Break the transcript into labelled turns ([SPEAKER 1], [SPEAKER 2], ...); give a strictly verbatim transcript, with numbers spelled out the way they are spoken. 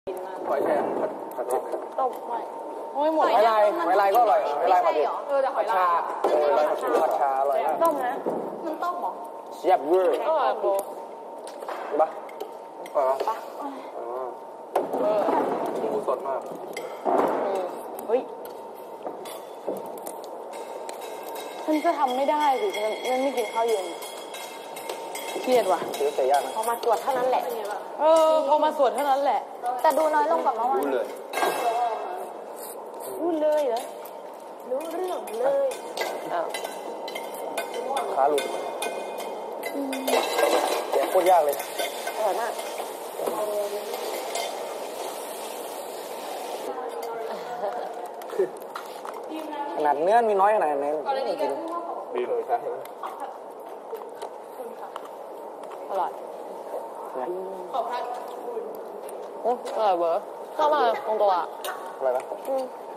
[SPEAKER 1] หอยแครงผัดผัดเผ็ด
[SPEAKER 2] ต้มไม่โอ้ยหมด
[SPEAKER 1] หอยลายหอยลายก็อร่อยหอยลายผัดเผ็ด
[SPEAKER 2] เออแต่หอยลาย
[SPEAKER 1] เออหอยลายผัดเผ็ดผัดชาอร่อยมาก
[SPEAKER 2] ต้มนะมันต้มหรอ
[SPEAKER 1] เสียบเวอร์
[SPEAKER 2] อร่อยโบ
[SPEAKER 1] ปะปะปะ
[SPEAKER 2] เออ
[SPEAKER 1] หมูสดมาก
[SPEAKER 2] เฮ้ยฉันจะทำไม่ได้สิฉันฉันไม่กินข้าวเย็นเครียดว่ะ
[SPEAKER 1] ซื้อเสียยากนะ
[SPEAKER 3] พอมาตรวจเท่านั้นแหละ
[SPEAKER 2] เออพอมาสวดเท่านั้นแหละ
[SPEAKER 3] แต่ดูน้อยลงกว่าเมื่อวาน
[SPEAKER 1] รู้เลย
[SPEAKER 2] พูดเลยเหรอ
[SPEAKER 3] รู้เรื่องเลย
[SPEAKER 2] อ้าว
[SPEAKER 1] ขาหลุดเสียโคตรยากเลย
[SPEAKER 3] อร่อยมาก
[SPEAKER 1] ขนาดเนื้อมีน้อยขนาดนี้ไม่กินดีเลยใช่
[SPEAKER 2] อร่อยขอบคุณอร่อยเบอร์เข้ามาตรงตัวอ่ะ
[SPEAKER 1] อะไรนะ
[SPEAKER 2] อืม